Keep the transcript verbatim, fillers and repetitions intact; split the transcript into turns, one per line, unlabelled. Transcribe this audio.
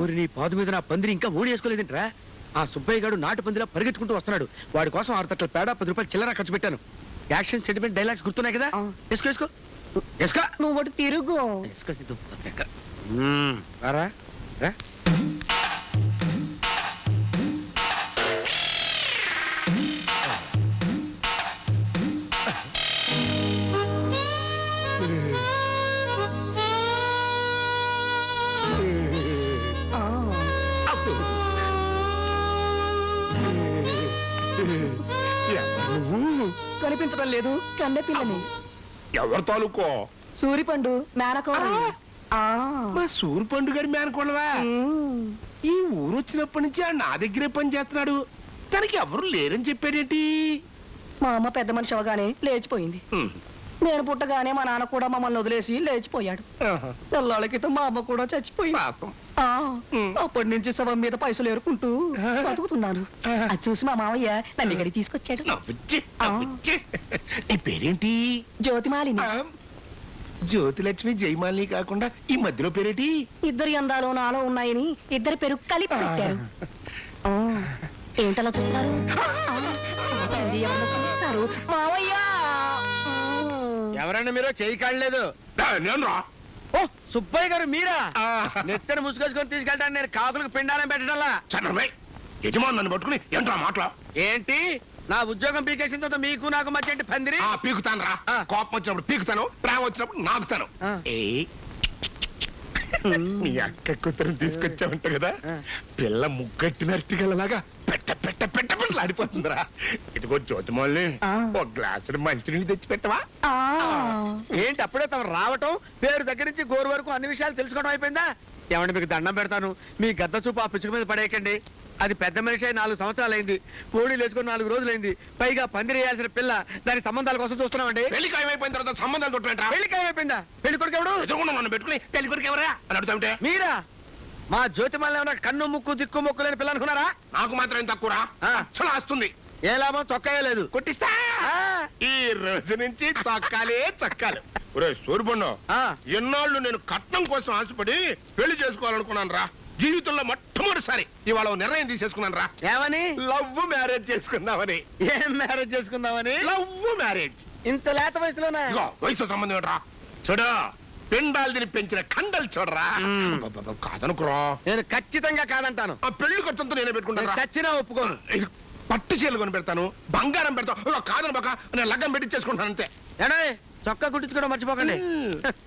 ఊరిని పాదు మీద నా పందిరి ఇంకా ఓడి వేసుకోలేదంటరా. ఆ సుబ్బయ్య గారు నాటు పందిలా పరిగెత్తుకుంటూ వస్తున్నాడు. వాడి కోసం ఆరు తట్ల పేడ పది రూపాయలు చిల్లర ఖర్చు పెట్టాను. యాక్షన్ సెంటిమెంట్ డైలాగ్స్ గుర్తున్నాయి కదా? వేసుకో వేసుకో వేసుకో.
నువ్వు ఒకటి తిరుగు.
వేసుకో సిద్ధు. మ్మ్. రారా రా.
కనిపించడం లేదు. కండ పిల్లని.
ఎవరు తాలూకో?
సూరిపండు మేనకోడ.
మా సూరు పండు గారి మేనకోడవా? ఈ ఊరు వచ్చినప్పటి నుంచి ఆ నా దగ్గరే పని చేస్తున్నాడు. తనకి ఎవరు లేరని చెప్పాడేంటి?
మా అమ్మ పెద్ద మనిషి అవగానే లేచిపోయింది. నేను పుట్టగానే మా నాన్న కూడా మమ్మల్ని వదిలేసి లేచిపోయాడు. తెల్లాళ్ళ క్రితం మా అమ్మ కూడా చచ్చిపోయింది. ఆ, అప్పటి నుంచి శవం మీద పైసలు ఏరుకుంటూ బతుకుతున్నాను. అది చూసి మా మావయ్య నన్ను ఇక్కడికి తీసుకొచ్చాడు.
నీ పేరేంటి?
జ్యోతిమాలిని.
జ్యోతిలక్ష్మి జయమాలిని కాకుండా ఈ మధ్యలో పేరేటి?
ఇద్దరి అందాలు నాలో ఉన్నాయని ఇద్దరి పేరు కలిపి పెట్టారు. ఆ, ఏంటలా చూస్తున్నారు? చూస్తారు మావయ్య.
ఎవరన్నా మీరు చేయి కాడలేదు.
నేను రా.
ఓ సుబ్బయ్య గారు మీరా? నెత్తని ముసుగొచ్చుకొని తీసుకెళ్తాను. నేను కాకులకు పిండాలని పెట్టడంలా.
చంద్రమై యజమాని నన్ను పట్టుకుని ఏంట్రా మాటలా?
ఏంటి నా ఉద్యోగం పీకేసిన తర్వాత మీకు నాకు మధ్య ఏంటి పందిరి?
పీకుతాను రా. కోపం వచ్చినప్పుడు పీకుతాను, ప్రేమ వచ్చినప్పుడు నాకుతాను. మీ అక్క కూతురు తీసుకొచ్చావంట కదా, పిల్ల ముగ్గట్టినట్టుగలలాగా పెట్ట పెట్ట పెట్ట పెట్టలు ఆడిపోతుందిరా. ఇదిగో జ్యోతిమల్ని ఒక గ్లాసు మంచినీళ్ళు తెచ్చి పెట్టవా?
ఏంటి అప్పుడే తమ రావటం, పేరు దగ్గర నుంచి గోరు వరకు అన్ని విషయాలు తెలుసుకోవడం అయిపోయిందా? ఏమంటే మీకు దండం పెడతాను, మీ గద్ద చూపు ఆ పిచ్చుక మీద పడేయకండి. అది పెద్ద మనిషి అయి నాలుగు సంవత్సరాలు అయింది. కోడి లేచుకొని నాలుగు రోజులైంది. పైగా పందిరి వేయాల్సిన పిల్ల దాని సంబంధాల కోసం చూస్తున్నామండి.
పెళ్లి ఖాయమైపోయిన తర్వాత సంబంధాలు తొట్టుకుంటా.
పెళ్లి ఖాయమైపోయిందా? పెళ్లి కొడుకు ఎవడు?
ఎదుగుండా నన్ను పెట్టుకుని పెళ్లి కొడుకు ఎవరా అని అడుగుతాంటే
మీరా? మా జ్యోతిమల్ని ఏమన్నా కన్ను ముక్కు దిక్కు ముక్కు లేని పిల్ల అనుకున్నారా?
నాకు మాత్రం ఏం తక్కువరా, అచ్చలా వస్తుంది.
ఏ లాభం, చొక్కా లేదు.
కొట్టిస్తా. ఈ రోజు నుంచి చొక్కాలే చొక్కాలు. ఒరే సూర్యపండు, ఎన్నాళ్ళు నేను కట్నం కోసం ఆశపడి పెళ్లి చేసుకోవాలనుకున్నాను రా. జీవితంలో మొట్టమొదటిసారి ఇవాళ నిర్ణయం తీసేసుకున్నాను రా.
ఏమని?
లవ్ మ్యారేజ్ చేసుకుందామని.
ఏం మ్యారేజ్ చేసుకుందామని?
Love marriage.
ఇంత లేత వయసులోనా?
ఇగో వయసుతో సంబంధం ఏంట్రా? చూడు, పిండాలు తిని పెంచిన కండలు చూడరా. కాదనుకురా.
నేను ఖచ్చితంగా కాదంటాను.
ఆ పెళ్లి ఖర్చంతో నేనే పెట్టుకుంటాను.
ఖచ్చితంగా ఒప్పుకోను.
పట్టు చీరలు కొని పెడతాను, బంగారం పెడతాను. కాదను బాక నేను లగ్గం పెట్టించేసుకుంటాను అంతే.
ఏడే చొక్కా కుట్టించుకోవడం మర్చిపోకండి.